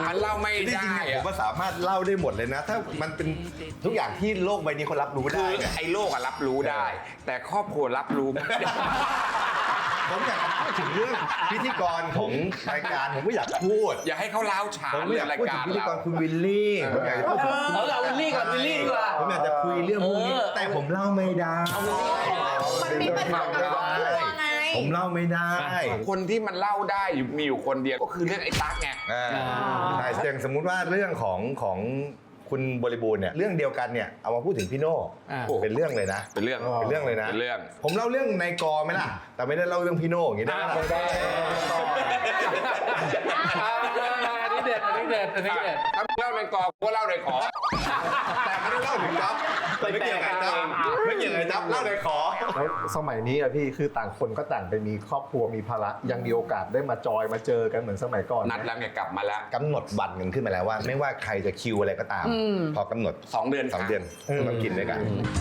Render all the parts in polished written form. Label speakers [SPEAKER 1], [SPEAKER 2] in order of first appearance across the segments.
[SPEAKER 1] มันเล่าไม่ได้
[SPEAKER 2] ผมก็สามารถเล่าได้หมดเลยนะ ถ้ามันเป็นทุกอย่างที่โลกใบนี้เขารับรู้
[SPEAKER 1] คื
[SPEAKER 2] ได้
[SPEAKER 1] อ
[SPEAKER 2] เนี่ย
[SPEAKER 1] ไอ้โลกอะรับรู้ได้ แต่ครอบครัวรับรู้ไม่ได้
[SPEAKER 2] ผมอยากพูดถึงเรื่องพิธีกรของรายการผมก็อยากพูด
[SPEAKER 1] อย่าให้เขาเล้าฉาน
[SPEAKER 2] ผมไม่อยาก
[SPEAKER 1] ราย
[SPEAKER 2] พูดถึ
[SPEAKER 1] กาง ร
[SPEAKER 2] พิธีก
[SPEAKER 1] เรา
[SPEAKER 2] รคุณวิลลี่ผมอยากจะพูดถึง
[SPEAKER 3] เอาวิลลี่ก่อนวิลลี่ดีกว่า
[SPEAKER 2] ผมอยากจะคุยเรื่องพวกนี้แต่ผมเล่าไม่ได้
[SPEAKER 4] มันมีปัญหากับครอบครัวไง
[SPEAKER 2] ผมเล่าไม่ได้
[SPEAKER 1] คนที่มันเล่าได้มีอยู่คนเดียวก็คือเรื่องไอ้ตั๊กไง
[SPEAKER 2] ใช่อย่างสมมุติว่าเรื่องของคุณบริบูรณ์เนี่ยเรื่องเดียวกันเนี่ยเอามาพูดถึงพี่โน่เป็นเรื่องเลยนะ
[SPEAKER 1] เป็นเรื่อง
[SPEAKER 2] เลยนะ
[SPEAKER 1] เป็นเรื่อง
[SPEAKER 2] ผมเล่าเรื่องในกอไหมล่ะแต่ไม่ได้เล่าเรื่องพี่โน่อย่างนี้ได้ไหมล่ะ
[SPEAKER 3] อันนี้เด็ดอันนี้เด็ดอันนี้เด็ด
[SPEAKER 1] ถ้าเล่าในกอก็เล่าในขอ
[SPEAKER 2] แต่ไม่ได้เล่าถึงจ๊อบไม่เกี่ยวกับจ๊อบไม่เกี่ยวกับจ๊อบเล่าในขอ
[SPEAKER 5] แล้วสมัยนี้อะพี่คือต่างคนก็ต่างไปมีครอบครัวมีภาระยังมีโอกาสได้มาจอยมาเจอกันเหมือนสมัยก่อน
[SPEAKER 1] นัดแล้วไงกลับมาแล้ว
[SPEAKER 2] กำหนดวันกันขึ้นมาแล้วว่า ไม่ว่าใครจะคิวอะไรก็ตาม พอกำหนด
[SPEAKER 1] 2 เดือน
[SPEAKER 2] 2 เดือนต้องกินด้วยกัน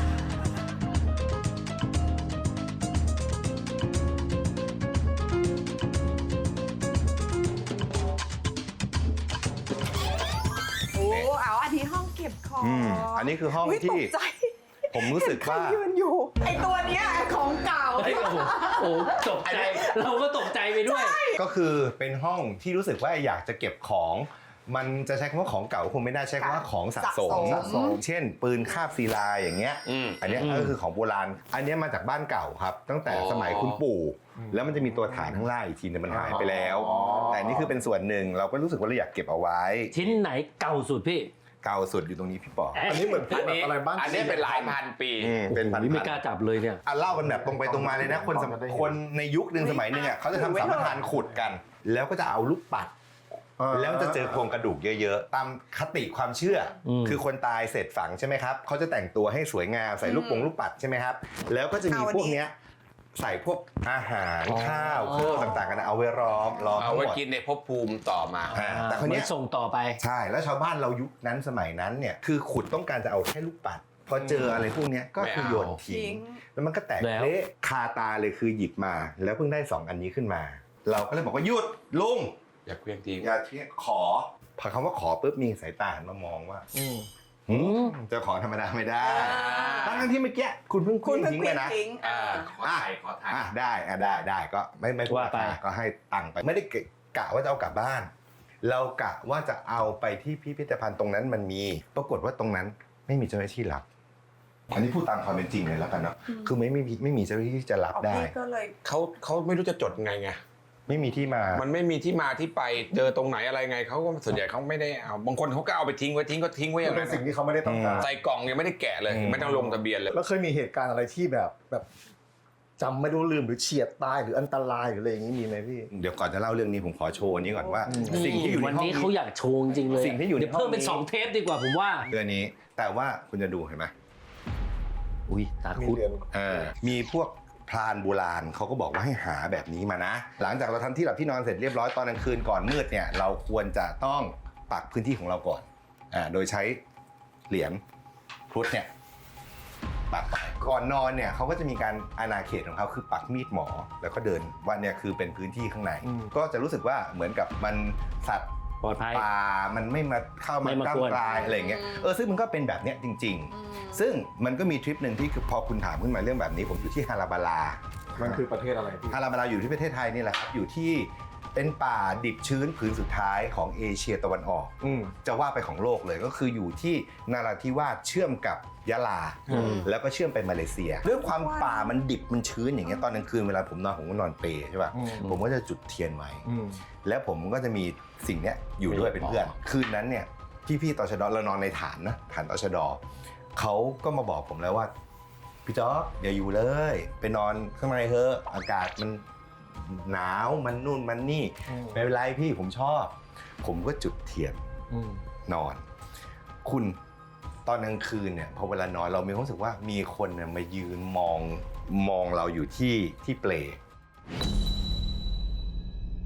[SPEAKER 4] โอ้เอาอันนี้ห้องเก็บของ
[SPEAKER 2] อันนี้คือห้อง
[SPEAKER 4] ย
[SPEAKER 2] ที่
[SPEAKER 4] ตกใจ
[SPEAKER 2] ผมรู้สึกว่า
[SPEAKER 4] เห็นใครยืนอยู่ ไอตัวเนี้ยของเก่า
[SPEAKER 3] เฮ้ยโอ้โหตกใจเราก็ตกใจไปด้วย
[SPEAKER 2] ก็คือเป็นห้องที่รู้สึกว่าอยากจะเก็บของ มันจะใช้คำว่าของเก่าคงไม่ได้ใช้คำว่าของสะสม เช่น ปืนคาบศิลาอย่างเงี้ย อันเนี้ยก็คือของโบราณ อันเนี้ยมาจากบ้านเก่าครับ ตั้งแต่สมัยคุณปู่ แล้วมันจะมีตัวฐานข้างล่างอีกทีนึงมันหายไปแล้ว แต่นี่คือเป็นส่วนหนึ่งเราก็รู้สึกว่าเราอยากเก็บเอาไว้
[SPEAKER 3] ชิ้นไหนเก่าสุดพี่
[SPEAKER 2] เก่าสุดอยู่ตรงนี้พี่ปอ
[SPEAKER 5] อันนี้เหมือนพว
[SPEAKER 1] อั
[SPEAKER 5] ก
[SPEAKER 1] นนี้
[SPEAKER 5] อะไรบ้าน
[SPEAKER 1] อันนี้เป็นหลายพันปี
[SPEAKER 2] เป็นพัน
[SPEAKER 3] นี่ไม่กล้าจับเลยเนี่ย
[SPEAKER 2] เล่ากันแบบตรงไปตรงมาเลยนะคนในยุคหนึ่งสมัยหนึงอ่ะเขาจะทำสัมปทานขุดกัน แล้วก็จะเอาลูกปัด แล้วจะเจอโครงกระดูกเยอะๆ ตามคติความเชื่ออคือคนตายเสร็จฝังใช่ไหมครับเขาจะแต่งตัวให้สวยงามใส่ลูกปัดใช่ไหมครับแล้วก็จะมีพวกเนี้ยใส่พวกอาหารข้าวเครื่องต่างๆกันเอาไว้ล้อม
[SPEAKER 1] เอา
[SPEAKER 2] ทั้งห
[SPEAKER 1] ไว้
[SPEAKER 2] มด
[SPEAKER 1] กินในภพภูมิต่อมา
[SPEAKER 2] แต่คนเนี้ย
[SPEAKER 3] ส่งต่อไป
[SPEAKER 2] ใช่แล้วชาวบ้านเรายุคนั้นสมัยนั้นเนี่ยคือขุดต้องการจะเอาแค่ลูกปัด พอเจออะไรพวกเนี้ยก็คือโยนทิ้งแล้วมันก็แตก
[SPEAKER 3] แล้ว
[SPEAKER 2] เละคาตาเลยคือหยิบมา แล้วเพิ่งได้2อันนี้ขึ้นมา เราก็เลยบอกว่าหยุดลุง
[SPEAKER 1] อย่าเพียงทิ้ง
[SPEAKER 2] อย่าเที่ยขอพอคำว่าขอปุ๊บมีสายตาหันมามองว่าเจะของธรรมดาไม่ได้ทั้งที่เมื่อกี้คุณเพิ่ง
[SPEAKER 4] คุณเพิ่ง
[SPEAKER 2] ทิ้ง
[SPEAKER 4] เค
[SPEAKER 2] ไป
[SPEAKER 4] ลีย
[SPEAKER 2] นะ
[SPEAKER 4] ร์ทิ้ง
[SPEAKER 1] ขอถ่าย
[SPEAKER 2] ได้ก็ไม่พูด
[SPEAKER 3] ว่าไป
[SPEAKER 2] ก็ให้ตังค์ไปไม่ได้กะว่าจะเอากลับบ้าน เรากะว่าจะเอาไปที่พิพิธภัณฑ์ตรงนั้นมันมีปรากฏว่าตรงนั้นไม่มีเจ้าหน้าที่รับอันนี้พูดตามความเป็นจริงเลยแล้วกันเนาะคือไม่มีเจ้าหน้าที่ที่จะรับได้
[SPEAKER 4] พี่ก็เลย
[SPEAKER 1] เขาไม่รู้จะจดไง
[SPEAKER 2] ไม่มีที่มา
[SPEAKER 1] มันไม่มีที่มาที่ไปเจอตรงไหนอะไรไงเขาก็ส่วนใหญ่เขาไม่ได้เอาบางคนเขาก็เอาไปทิ้งไว้ทิ้งไว้อย่าง
[SPEAKER 5] เป็
[SPEAKER 1] นั้น น
[SPEAKER 5] สิ่งที่เขาไม่ได้ต้องการ
[SPEAKER 1] ใส่กล่องยังไม่ได้แกะเลยไม่ต้องลงทะเบียนเลย
[SPEAKER 5] แล้วเคยมีเหตุการณ์อะไรที่แบบจำไม่รู้ลืมหรือเฉียดตายหรืออันตรายหรืออะไรอย่างนี้มีไหมพี่
[SPEAKER 2] เดี๋ยวก่อนจะเล่าเรื่องนี้ผมขอโชว์อันนี้ก่อนว่า สิ่งที่อยู่ใน
[SPEAKER 3] วัน
[SPEAKER 2] ห้อง
[SPEAKER 3] นี้เขาอยากโชว์จริงๆเลย
[SPEAKER 2] สิ่งที่อยู่ใน
[SPEAKER 3] เดี๋ยวเพิ่มเป็น
[SPEAKER 2] ห้องนี้
[SPEAKER 3] 2 เทปดีกว่าผมว่า
[SPEAKER 2] เรื่องนี้ แต่ว่าคุณจะดูเห็นไหม
[SPEAKER 3] อุ้ยตาคุด
[SPEAKER 2] มีพวกพรานโบราณเขาก็บอกว่าให้หาแบบนี้มานะ หลังจากเราทำที่หลับที่นอนเสร็จเรียบร้อยตอนกลางคืนก่อนมืดเนี่ยเราควรจะต้องปักพื้นที่ของเราก่อนโดยใช้เหรียญพุทธเนี่ยปักไปก่อนนอนเนี่ยเขาก็จะมีการอาณาเขตของเขาคือปักมีดหมอแล้วก็เดินว่าเนี่ยคือเป็นพื้นที่ข้างในก็จะรู้สึกว่าเหมือนกับมันสัตว์
[SPEAKER 3] ปลอดภัย
[SPEAKER 2] ป่ามันไม่มาเข้ามา
[SPEAKER 3] ไม่มา
[SPEAKER 2] ก้าว
[SPEAKER 3] กวน
[SPEAKER 2] กลายอะไรอย่างเงี้ยซึ่งมันก็เป็นแบบเนี้ยจริง ๆ ซึ่งมันก็มีทริปหนึ่งที่คือพอคุณถามขึ้นมาเรื่องแบบนี้ผมอยู่ที่ฮาราบาลา
[SPEAKER 5] มันคือประเทศอะไรพี่
[SPEAKER 2] ฮาราบาลาอยู่ที่ประเทศไทยนี่แหละครับอยู่ที่เป็นป่าดิบชื้นผืนสุดท้ายของเอเชียตะวันออกจะว่าไปของโลกเลยก็คืออยู่ที่นาราธิวาสเชื่อมกับยะลาแล้วก็เชื่อมไปมาเลเซียด้วยความป่ามันดิบมันชื้นอย่างเงี้ยตอนกลางคืนเวลาผมก็นอนเปใช่ป่ะผมก็จะจุดเทียนไว้แล้วผมก็จะมีสิ่งเนี้ยอยู่ด้วยเป็นเพื่อนคืนนั้นเนี่ยพี่ตชดเรานอนในฐานตชดเขาก็มาบอกผมแล้วว่าพี่จ๊อกอย่าอยู่เลยไปนอนข้างในเถอะอากาศมันหนาวมันนู่นมันนี่ไม่เป็นไรพี่ผมชอบผมก็จุดเทียนนอนคุณตอนกลางคืนเนี่ยพอเวลานอนเรามีความรู้สึกว่ามีคนเนี่ยมายืนมองเราอยู่ที่เปล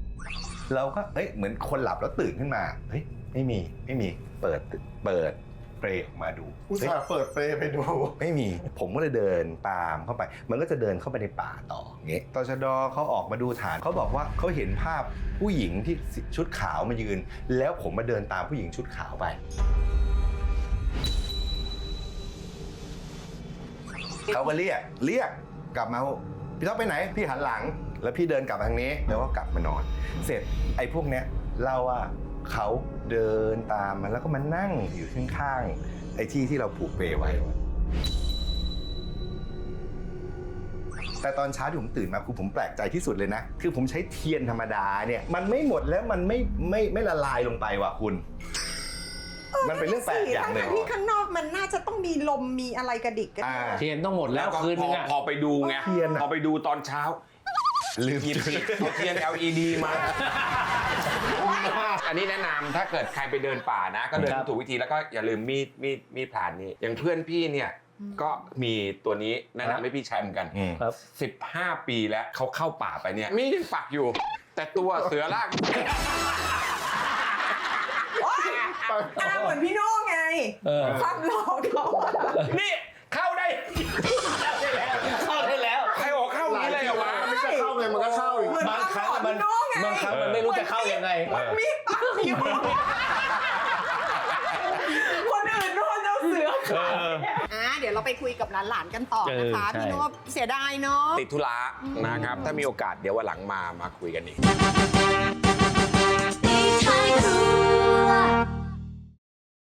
[SPEAKER 2] เราก็เหมือนคนหลับแล้วตื่นขึ้นมาเฮ้ยไม่มีเปิดเปรย์ออกมาดู
[SPEAKER 5] อุตส่าห์เปิดเปรย์ไปดู
[SPEAKER 2] ไม่มีผมก็เลยเดินตามเข้าไป มันก็จะเดินเข้าไปในป่าต่ออย่างเงี้ยตชดเขาออกมาดูฐานเขาบอกว่าเขาเห็นภาพผู้หญิงที่ชุดขาวมายืน แล้วผมมาเดินตามผู้หญิงชุดขาวไปเขาก็เรียกกลับมาพี่ท็อปไปไหนพี่หันหลัง แล้วพี่เดินกลับทางนี้แล้วก็กลับมานอน เสร็จไอ้พวกเนี้ยเล่าว่าเขาเดินตามมาแล้วก็มานั่งอยู่ข้างๆไอ้ที่เราผูกเปไว้แต่ตอนเช้าที่ผมตื่นมาคือผมแปลกใจที่สุดเลยนะคือผมใช้เทียนธรรมดาเนี่ยมันไม่หมดแล้วมันไม่ละลายลงไปว่ะคุณมันเป็นเรื่องแปลกอย่างหนึ่ง
[SPEAKER 4] ที่ข้างนอกมันน่าจะต้องมีลมมีอะไรกระดิกกัน
[SPEAKER 3] เทียนต้องหมดแล้ว
[SPEAKER 1] ก็
[SPEAKER 3] คืนนึงอะ
[SPEAKER 1] พอไปดูไง
[SPEAKER 2] เทียนอะ
[SPEAKER 1] พอไปดูตอนเช้า
[SPEAKER 2] ลืม
[SPEAKER 1] หยิบเอาเทียน LED มา อันนี้แนะนำถ้าเกิดใครไปเดินป่านะ ก็เดินถูกวิธีแล้วก็อย่าลืมมีดผ่านนี้อย่างเพื่อนพี่เนี่ยก็มีตัวนี้แนะนำให้พี่ใช้เหมือนกัน
[SPEAKER 3] ครับ
[SPEAKER 1] 15 ปีแล้วเขาเข้าป่าไปเนี่ยมีดยังปักอยู่ แต่ตัวเสือลาก
[SPEAKER 4] เหมือนพี่โน่ไงความหลอกเขา
[SPEAKER 1] นี่เข้าได้
[SPEAKER 3] เข้าได้แล้ว
[SPEAKER 1] ใครบอกเข้าอย่างนี้เลยเหรอวะ
[SPEAKER 5] มันจะเข้าไงมันก็เข้าอีก
[SPEAKER 3] บางครั้งมันไม่รู้จะเข้ายังไง
[SPEAKER 4] มีดปักอยู่คนอื่นโดนเอาเสือเดี๋ยวเราไปคุยกับหลานๆกันต่อนะคะ
[SPEAKER 3] ใช่
[SPEAKER 4] พี่โน่เสียดายเนาะ
[SPEAKER 1] ติดธุระนะครับ ถ้ามีโอกาสเดี๋ยววันหลังมาคุยกันอีก
[SPEAKER 6] ในท้ายครัว